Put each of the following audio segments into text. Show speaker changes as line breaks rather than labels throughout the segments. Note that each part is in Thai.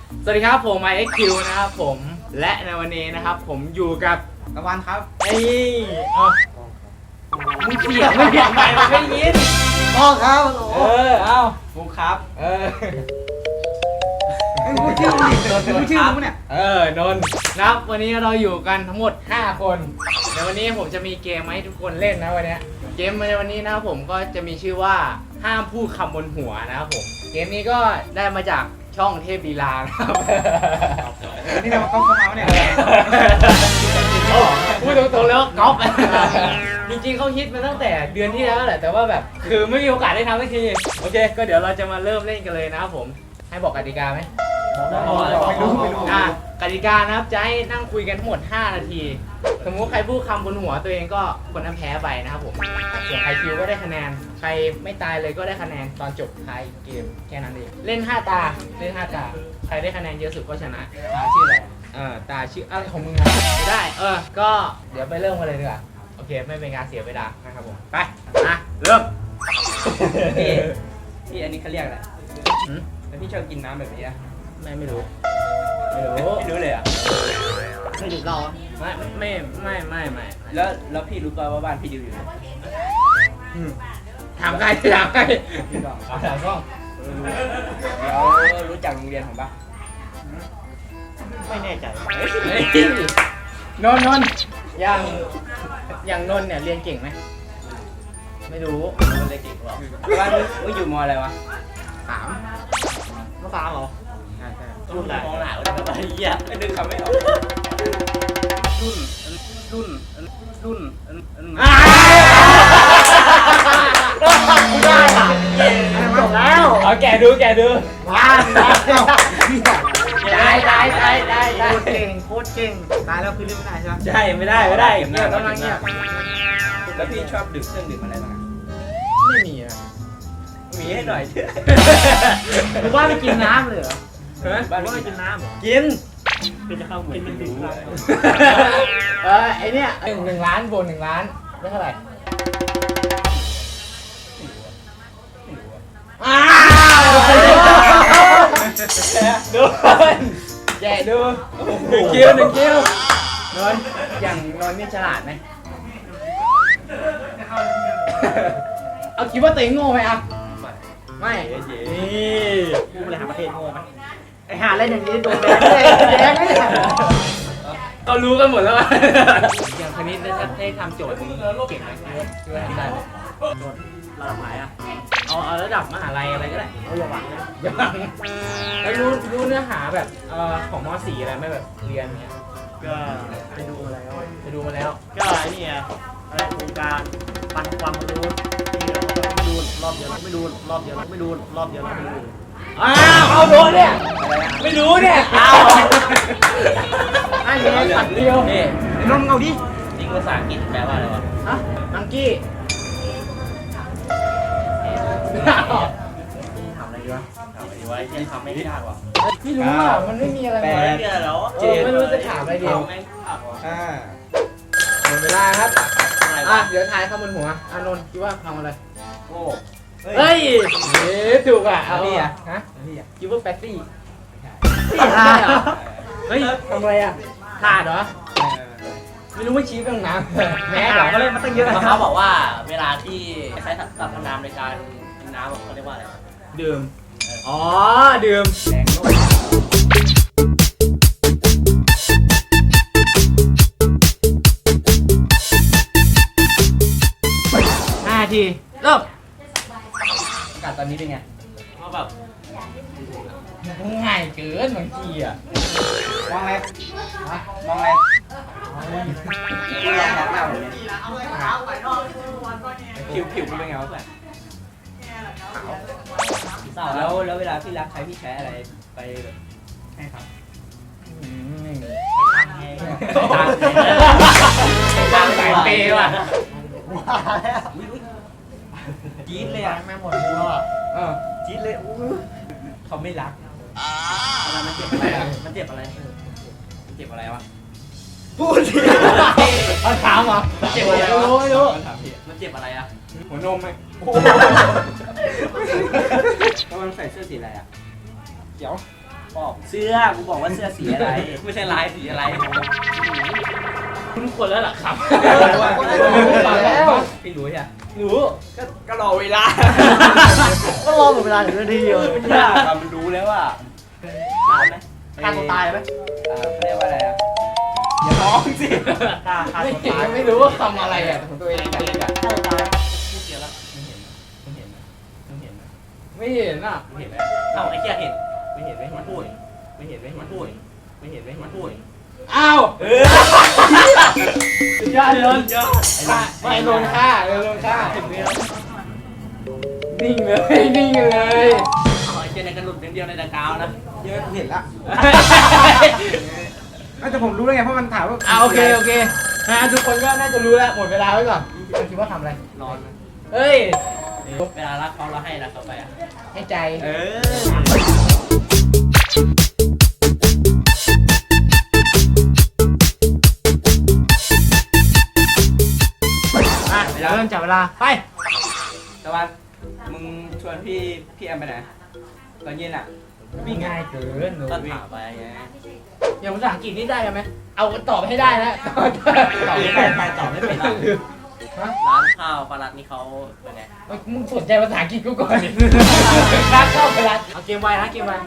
สวัสดีครับผม IXQ นะครับผมและในวันนี้นะครับผมอยู่กับตะวันครับไอ้มึงเสียงไม่เสียงใหม่มันไม่ยินพ่อครับเอาฟุกครับพูดชื่อมึงพูดชื่อมึงเนี่ยนนท์นะครับวันนี้เราอยู่กันทั้งหมด5คนในวันนี้ผมจะมีเกมให้ทุกคนเล่นนะวันนี้เกมในวันนี้นะครับผมก็จะมีชื่อว่าห้ามพูดคำบนหัวนะครับผมเกมนี้ก็ได้มาจากช่องเทพลีลานะครับนี่เราเข้ามาเนี่ยพูดตรงๆแล้วก๊อปจริงๆเขาฮิตมาตั้งแต่เดือนที่แล้วแหละแต่ว่าแบบคือไม่มีโอกาสได้ทำสักทีโอเคก็เดี๋ยวเราจะมาเริ่มเล่นกันเลยนะครับผมให้บอกกติกาไหมไม่รู้กติกานะครับจะให้นั่งคุยกันทั้งหมด5นาทีสมมติใครพูดคำบนหัวตัวเองก็คนนั้นแพ้ไปนะครับผมส่วนใครคิวก็ได้คะแนนใครไม่ตายเลยก็ได้คะแนนตอนจบท้ายเกมแค่นั้นเองเล่น5ตาใครได้คะแนนเยอะสุดก็ชนะตาชื่ออะไรตาชื่ออะไรของมึงนะไม่ได้ก็เดี๋ยวไปเริ่มกันเลยดีกว่าโอเคไม่เป็นการเสียเวลานะครับผมไปเริ่ม
พี่อันนี้เขาเรียกอะไรแล้วพี่ชอบกินน้ำแบบนี้อะ
ไม่รู้
เลยอ่ะ
ไม่ดื่มเหล้าไม่
แล้วพี่รู้ป่าวว่าบ้านพี่ดิวอยู่ไหน
ถามใคร
พี่กอง
ถามก็
แล้วรู้จักโรงเรียนผมปะไม่แน่ใจ
นนอย่างนนเนี่ยเรียนเก่งไหมไม่รู้
เรียนเก่งหรอบ้านมึงอยู่มออะไรวะ
ม.3เหรอ
รุ่นไหนมองหนาเลยแบบเหี้ยไม่ดึงคำไม่ออกรุ่น
ได้จบแล้วเอาแกดูว้าวได้โคตรเก่งตายแล้วคือเล่นไม่ได้ใช่ไหม
ใช่ไม่ได้เงียบต้องนั่งเงียบแล้วพี่ชอบดื่มเครื่องดื่มอะไรบ้าง
ไม่มีนะ
มีให้หน่อยเถอะ
หรือว่าไม่กินน้ำเลยเหรอ
บ้านไม่กินน้ำ
กิน
เป็นจะเข้าเหมือนเป็น
ไอเนี้ย1 ล้านบวก1 ล้านได้เท่าไหร่ดูแกดู1 คิวนนอย่างนนนี่ฉลาดไหมเอาคิดว่าตัวเองโง่ไหมอ่ะไม่นี่
ผู้บริหารประเทศโง่ไหม
ไอหาเล่นอย่างนี้โดนแดงก็รู้กันหมดแล้วอย่างคณิตได้ทำโจทย์นี้เก่งไหมคิดว่าทำได้ไหม
โจทย์ระดับไหนอ่ะ
เอาระดับมหาลัยอะไรก็ได้
อย่าหวัง
แล้วรู้เนื้อหาแบบของม.4 อะไรไม่แบบเรียนเนี้ย
ก็ไปดูมาแล้ว ก็ไอ้นี่อะไรโครงการปันความรู้ที่เราไม่ดูรอบเดียวไม่ดูรอบเดียวไม่ดูรอบเดียวไม่ดู
เอาโดนเนี่ยไม่รู้เนี่ยไอ้เนี่ยตัดเดียวนี่น้องเอาดิ
จริงภาษาอังกฤษแปลว่าอะไรวะ
มังกี้
ทำอะไรดีวะยังทำไม่ยากว่ะ
ไม่รู้อ่ะมันไม่มีอะไร
แปลแล้ว
ไม่รู้จะถามอะไรดี
แม่งขับว่ะ
หมดเวลาครับเดี๋ยวทายคำบนหัวอานนท์คิดว่าคำอะไร
โอ้
เฮ้ยถูกอ่ะเอาพี่อ่ะคิดว่าแป๊กซี่เฮ้ยทำอะไรอ่ะขาดเหรอไม่รู้ว่าชี้ไปตรงน้ำแม่เหรอ
เขาเล่นมาตั้งเยอะเขาบอกว่าเวลาที่ใช้สรรพนามในการกินน้ำเขาเรียกว่าอะไร
ดื่มดื่ม5 ทีเริ่ม
อากาศตอนนี้เป็นไงก็แบบ
ง่ายเกินบางทีอ่ะ
มองอะไรมองหน้าผมเนี่ยผิวเป็นไงวะขาวแล้วเวลาพี่รักใครพี่ใช้อะไรไปให้ครับ
ตั้งแต่ปีว่ะ
จี๊ดเลยอ่ะ
แม่หมดเลยว่ะ
จี๊ดเลยเขาไม่รักมันเจ็บอะไรมันเจ็บอะไรวะพูดสิ
มันถามเหรอ
เจ็บอะไร
ไม่รู้
มันเจ็บอะไรอ่ะ
หัวนมไหม
แล้วมันใส่เสื้อสีอะไรอ่ะ
เขียว
ปอบเสื้อกูบอกว่าเสื้อสีอะไร ไม่ใช่ลายสีอะไร
คุณควรแล้วล่ะครับ
แล้วพี่รู้ใช่ไหม
รู้
ก็รอเวลา
ก็รอหมดเวลาถึงนาทีเดียว
ไม่ยากอะมันรู้แล้วว่าตายไหมฆ่าตัวตายไหมเขาเรียกว่าอะไรอะอย่าร้องสิฆ่าตัวตาย
ไม่รู้ว่าทำอะไรอ่ะของตัวเองอะ
ฆ่าตัวตายพูดเสียแล้วมึงเห็นไหมมึงเห็นไหมมึงเห็นไหม
ไม่เห็นอ่ะ
มึงเห็นไหมเอ้าไอ้เหี้ยเห็นไม่เห็นไหมมันพูดไม่เห็นไหมมันพูดไม่เห็นไหมมันพูด
อ้าว
ยอดเลยยอด
ไม่โดนฆ่าโดนฆ่านิ่งเลยนิ่งเลย
เอาไอ้เหี้ยในกระหลุดเดียวในตะกาวนะ
เยอะเห็นละแต่ผมรู้แล้วไงเพราะมันถามว่า
โอเคนะทุกคนก็น่าจะรู้แล้วหมดเวลาไว้ก่อนคิดว่าทำอะไร
นอน
เฮ้ย
เวลารักเขาเราให้รักเขาไปอ่ะ
ให้ใจ เริ่มจับเวลาไป
ตะวันมึงชวนพี่แอมไปไหนตอนเย็นอ่ะ
วิ่งง่ายเกินหนู
ก็
วิ่ง
ถามไปไง
อย่างภาษาอังกฤษนี่ได้ไหมเอาตอบให้ได้นะ
ตอบไม่เป็นไปตอบไม่เป็นร้านข้าวปลาลัดนี่เขาเป็นไง
มึงสนใจภาษาอังกฤษกูก่อนดิร้านเข้าไปร้านเอาเกมไวนะเกมไว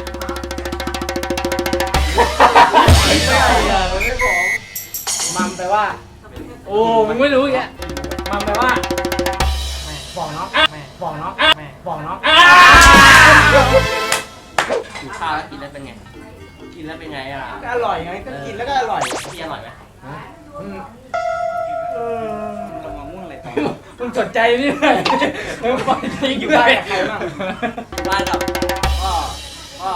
ไม่ใช่อ่ะมันไม่บอก
มัมแปลว่า โอ้มึงไม่รู้แกมัมแปลว่าบอกน้องบอกน้องบอกน้อง
อยู่ข้าวแล้วกินแล้วเป็นไงกินแล้วเป็นไงอ่ะก็อร่อยไงก็กินแล้วก็อร่อยพี่อร่อยไหมลงมาม่วงเลย
มึงสนใจนี่เลยมึงปล่อยทิ้ง
อยู่
เล
บ้าน
ย
กับใครบ้างบ้านกับพ่อพ่อ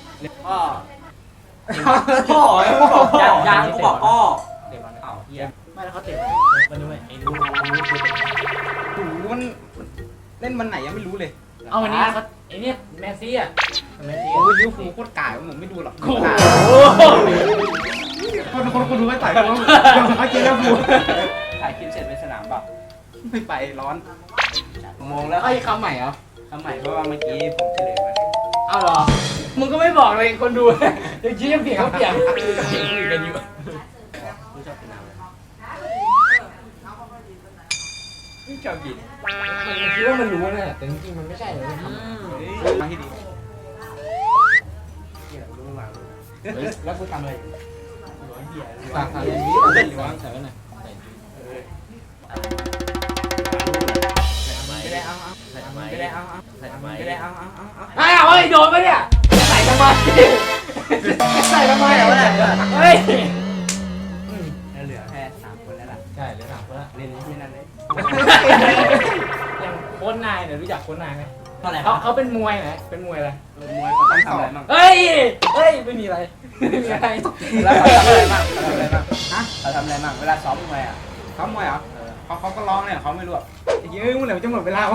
ยังกูบอกพ่อเตะบอลเอ้าเฮีย
ไม่แล้วเขาเตะวันนี้ไอ้ดู
หูมันเล่นวันไหนยังไม่รู้เลย
เอาวันนี้เขาไอ้เนี่ยแมสซี่อ่ะแมสซี่
โอ้ยลิเวอร์พูลโคตรก่ายผมไม่ดูหรอก
โอ้โห
คนดูไม่ใส่เขาเขาเจอลิเวอร์พูล
ถ่ายคลิปเสร็จไปสนามเปล่า
ไม่ไปร้อน
โมงแล้ว
ไอ้คำใหม่เหรอ
ทำไมเพราะว่าเมื่อกี้ผมเฉลยไป
เอาเหรอมึงก็ไม่บอกเลยคนดูยังชี้ยังเปลี่ยนเขาเปลี่ยนคุยกันอยู่
รู้ชอบกินน้ำเลยไม่ชอบกิน
มันคิดว่ามันรู้นะแต่จริงๆมันไม่ใช่เลย
มาที่ดี
เฮียรู้มากเลย
แล้วกูทำอะไร
ร้อยเฮีย
ฝากอะไรนี้หรือว่าใส่ไว้ไหน
ไม่ได้เอาไม่ได้เอา ไม่ได้เอา
อ้าวเฮ้ยโดนปะเนี่ยใส่ทำไมใส่ทำไมเหรอเนี่ยเฮ้ย
เหลือแค่3 คนแล้วล่ะ
ใช่เลยถามว่า
เล่นที่นั่นเลย
อย่างโค้ชนายเนี่ยรู้จักโค้ชนายไหม
เท่าไหร่
เขาเป็นมวยไหนเป็นมวยอะไร
มวยเขาต้องทำอะไรบ้าง
เฮ้ยไม่มีอะไรไม่มีอะไร
แล้วเขาทำอะไรบ้าง
ฮะ
เขาทำอะไรบ้างเวลาซ้อมมวยอ่ะ
เขามวยเหรอเขาก็ร้องเนี่ยเขาไม่รู้อ่ะเยอะมึงเหลือจะหมดเวลาวะ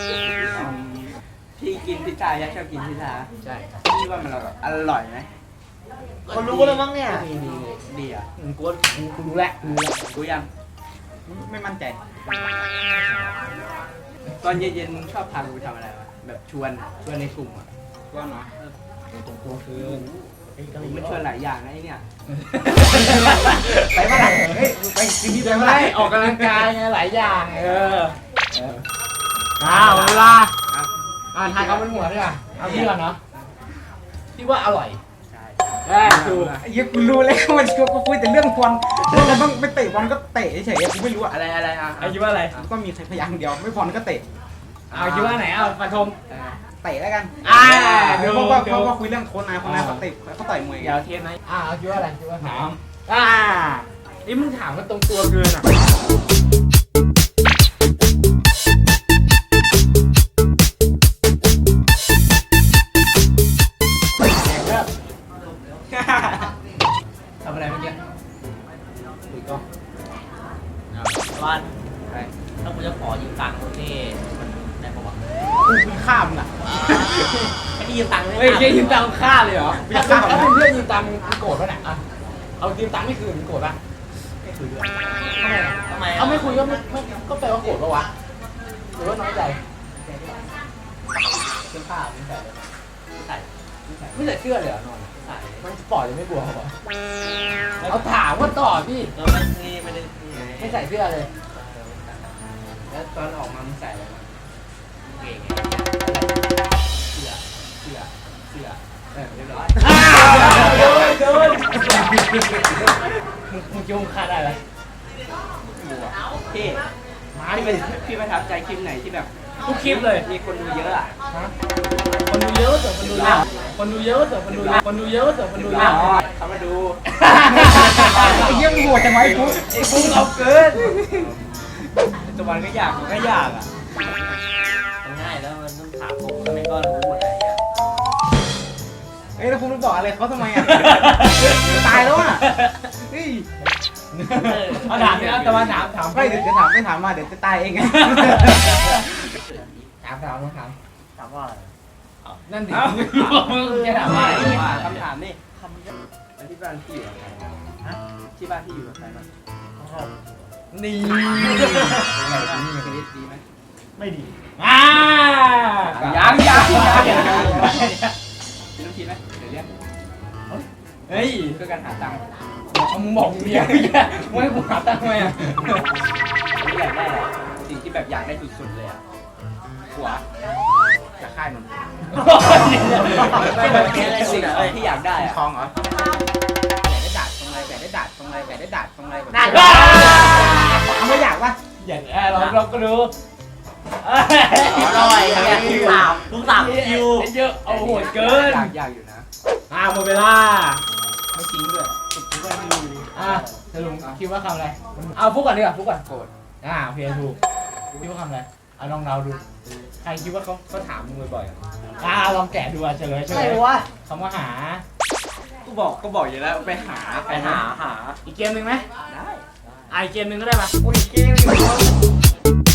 พี่กินพิซซ่ายักษ์ชอบกินพิซซ่า
ใช่
พี่ว่ามันอร่อยไหม
คนรู้แล้วมั้งเนี่ย
ดีอ่ะ
กูรู้แล้ว
รู้ยัง
ไม่มั่นใจ
ตอนเย็นๆมึงชอบพากูไปทำอะไรวะแบบชวนในกลุ่มอ่ะ
ว่าเนาะ
ตรงตัวคือ
มันชวนหลายอย่างนะไอ้เนี่ย
ไปเมื่อไหร่เฮ้ยไปกินที่ไปเมื่อไหร่
ออกกำลังกายไงหลายอย่างเวลาทายเขาเป็นหัวด้วยอ่ะเอาพี่ก่อนเนาะพี่ว่าอร่อย
ใช่
ถูก
ไอ้เหี้ยกูรู้แล้วมันกูคุยแต่เรื่องบอลเราต้องไปเตะบอลก็เตะเฉยๆกูไม่รู้อะ
อะไรอ่ะ
ไอ้คิดว่าอะไร
ก็มีพยางค์เดียวไม่บอลก็เตะ
เอาคิดว่าไหนเอาปฐม
เตะแล้วกัน
ดู
เพราะว่าคุยเรื่องโค้ชนายเขาเตะเขาต่อยมวย
เดี๋ยวเทปไหนเอาคิดว่าอะไรคิดว่าถามนี่มึงถามกันตรงตัวเกินอ่ะทำอะไรเมื่อกี้คุยกล้อง
วันถ้ากูจะขอยืมตังค์นี่มันได้ปะวะ
กูข้ามอ่ะ
ไม่ได้ยืมตังค์
เฮ้ยยืมตังค์ฆ่าเลยเหรอถ้าเป็นเพื่อนยืมตังค์มึงโกรธป่ะเนี่ยเอายืมตังค์ไม่คืนมึงโกรธป่ะ
ไม่คุยด้วย
ทำไมเอาไม่คุยก็ก็แปลว่าโกรธป่ะวะหรือว่าน้อยใจ
เป็นข้าวไม่ใส่เลยใส่
ไม่ใส่เสื้อเลยเหรอนอนมันสปอร์ตยังไม่บวกเหรอเอาถามว่าต่อพี่
เราไม่ได้นี่ไง
ไม่ใส่เสื้อเลยแล้วตอนออกมามึงใส่อะไรมาเก่งไงเสื้อเรียบร้อยโดนมึงจุงขาดอะไร
พี่
มาดิ
พี่ประทับใจคลิปไหนที่แบบ
ทุกคลิปเลย
มีคนดูเยอะอ่ะ
คนดูเยอะแต่คนดูเยอะคนดูเยอะแต่คนดูเยอะคนดูเยอะแต่คนดูเยอะ
เขามาดู
ไอ้เหี้ยมึงโหดจังไวะไอ้ฟุ๊ก
ไอ้ฟุ้งเอาเกินแต่วันก็อยากมันก็อยากอ่ะง่ายแล้วมันต้องถามผมแล้วมันก็รู้หมดอะไรเงี้ย
เอ้ยแล้วฟุ๊กรู้บอกอะไรเขาทำไมอ่ะตายแล้วอ่ะเฮ้ย
เอาถามนี่เอาแต่ว่าถาม
ไม่เดี๋ยวจะถามไม่ถามมาเดี๋ยวจะตายเองไง
ถามต้องถาม
ถามว่าอะไร
นั่นดิมึงจะถามว่าอะไร
คำถามนี่คำนี้แล้วที่บ้านพี่อยู่กับใครฮะที่บ้านพี่อยู่กับใครบ้าง
นี่
ชีวิตดีไหม
ไม่ดี
ยัง
มีลูกทีไหมเดี๋ยวเรียก
เฮ้ย
เพื่อการหาตังค์
มึงบอกมึงอยากมึงให้กูหาตังค์ทำไมอ่ะ
ไม่อยากได้อะไรสิ่งที่แบบอยากได้สุดๆเลยอ่ะหัวจากค่ายมันสิ่งที่อยากได้อะ
ทองเหรอ
ไก่ได้ดาดตรงไรไก่ได้ดาดตรงไรไก่ได้ดาดตรงไรแบบ
น่า
เอาไม่อยากปะ
อย่างเราก็รู้
อร่อยเนี่ยทุกสามคิว
เยอะเอาโหดเกิน
อยากอยู่นะ
หมดเวลา
ไม่จริงด้วยทุกคนมีอยู่ดี
สรุปคิดว่าคำอะไรเอาฟุกก่อนดีกว่าฟุกก่อนโกรธโอเคถูกคิดว่าคำอะไรเอาลองเราดูใครคิดว่าเขาถามมึงบ่อยๆลองแกะดูเฉลยคำว่าหา
ก็บอกอยู่แล้วไปหา
อีกเกมหนึ่งไหม
ได้
อีกเกมหนึ่งก็ได้ปะ
โอ้ยเกม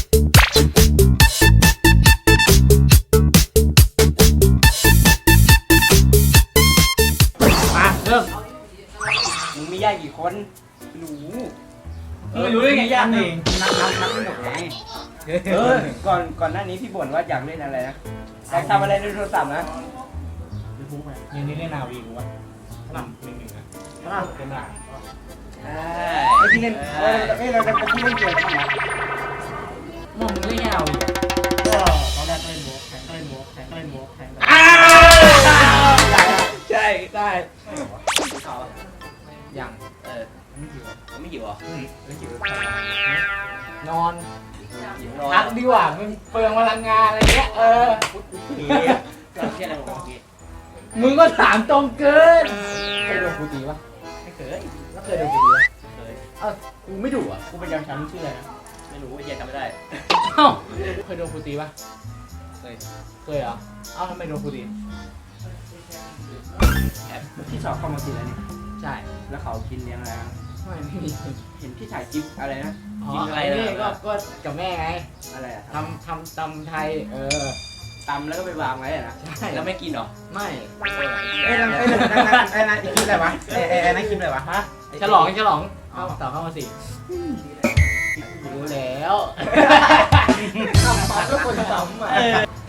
มาเริ่ม
มึงมีญาติกี่คนหนู
ไม่รู้ได้ไงยากเอง
นับไม่หมดไง
ก่อนหน้านี้พี่บ่นว่าอยากเล่นอะไรนะอยากทำอะไรในโทรศัพท์นะ
ยังนี่เล่นนาวีกูวะหนึ่งนะเป็นหลัก
ไอ้ที่เล่นเราจะไปที่เล่นเกมกันนะ
มึงเล่นนาวี
ก็ตอนแรกเล่นโบกแข่งเล่นโบกแข่งเล่นโบกแข่ง
ใช่ได้
เขา
ยัง
ไม่หิวเหรอ
นอนพักดีกว่ามึงเปลืองพลังงานอะไรเงี้ย
เชื่ออะไรผมเมื่อกี้
มึงก็ถามตรงเกินเคยโดนกูตีปะ
ไม่เคย
แล้วเคยโดนกูตีปะ
เคย
กูไม่ดุอ่ะ
กูเป็นยามช้ำชื่ออะไรนะไม่รู้ว่าเย็นจำไม่ได้
เคยโดนกูตีปะเคยเหรอทำไมโดนกูตี
พี่สอบเข้ามาสิแล้วนี่
ใช่
แล้วเขากินเลี้ยงอะไร
ไม่มี
เห็นพี่ถ่ายคลิปอะไรนะ
กินอะไรนี่ก็กับแม่ไง
อะไรอะ
ทำตำไทย
ตำแล้วก็ไปวางไว้อะนะ
ใช่
แล้วไม่กินหรอ
ไม่
นั่นอีกคลิปอะไรวะนั่นคลิปอะไรวะ
ฮะฉลองเอาต่อเข้ามาสิรู้แล้วทำมาก็คนซ้ำอ่ะ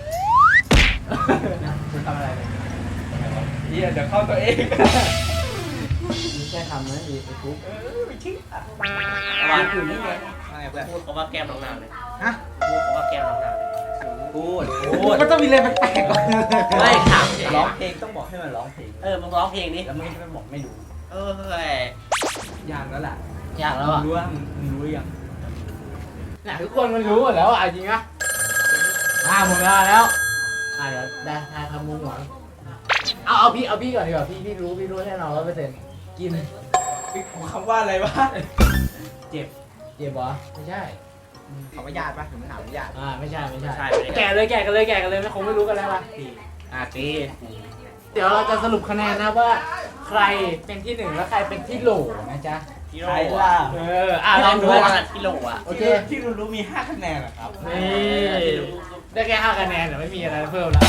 คุณทำอะไรไป
เดี๋ยวเข้าตัวเอง
มีแค่ทำนะไอ้ทุก
ไม่คิดวางอยู่นี่ไงพูดเขาว่าแก้มน้องนาวเลย
ฮะ
พูดเขาว่าแก้มน้องนาวเลยพูด
มันต้องมีอะไรแปลกๆก่อน
ไม่ถามร้องเพลงต้องบอกให้มันร้องเพลงมึงร้องเพลงนี้แล้วมึงไม่บอกไม่รู้ยากแล้วล่ะ
อยากแล้วอ่ะ
รู้ว่ามึงรู้ยัง
น่ะทุกคนมันรู้หมดแล้วอ่ะจริงอ่ะหมดเวลาแล้วเดี๋ยวได้ทายคำมุงหวังเอาพี่ก่อนดีกว่าพี่รู้แน่นอน100%กิน
คำว่าอะไรวะ
เจ็บเหรอไม่ใช่
เขาไม่ญาติปะถึงไม่ถามไม่ญาติ
ไม่ใช่แกะกันเลยไม่คงไม่รู้กันแล้วป่ะตี เดี๋ยวเราจะสรุปคะแนนนะว่าใครเป็นที่1และใครเป็นที่โหลนะจ๊ะ
ใครล่ะ
ลองดู
กิโลอ่ะ
โอเค
ที่รู้มี5คะแนนเหรอครับ
นี่ได้แค่5คะแนนแต่ไม่มีอะไรเพิ่มแล้ว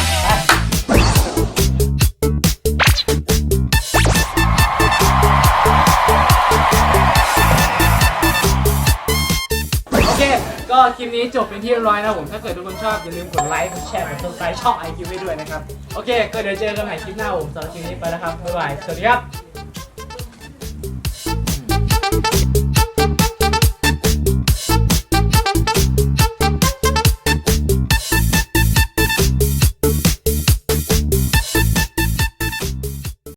โอเคก็คลิปลิปนี้จบเป็นที่เรียบร้อยนะผมถ้าเกิดทุกคนชอบอย่าลืมกดไลค์กดแชร์กด subscribe ช่อง IQ ไว้ด้วยนะครับโอเคก็เดี๋ยวเจอกันใหม่คลิปหน้าผมสำหรับคลิปนี้ไปแล้วครับบ๊ายบายสวัสดีครับ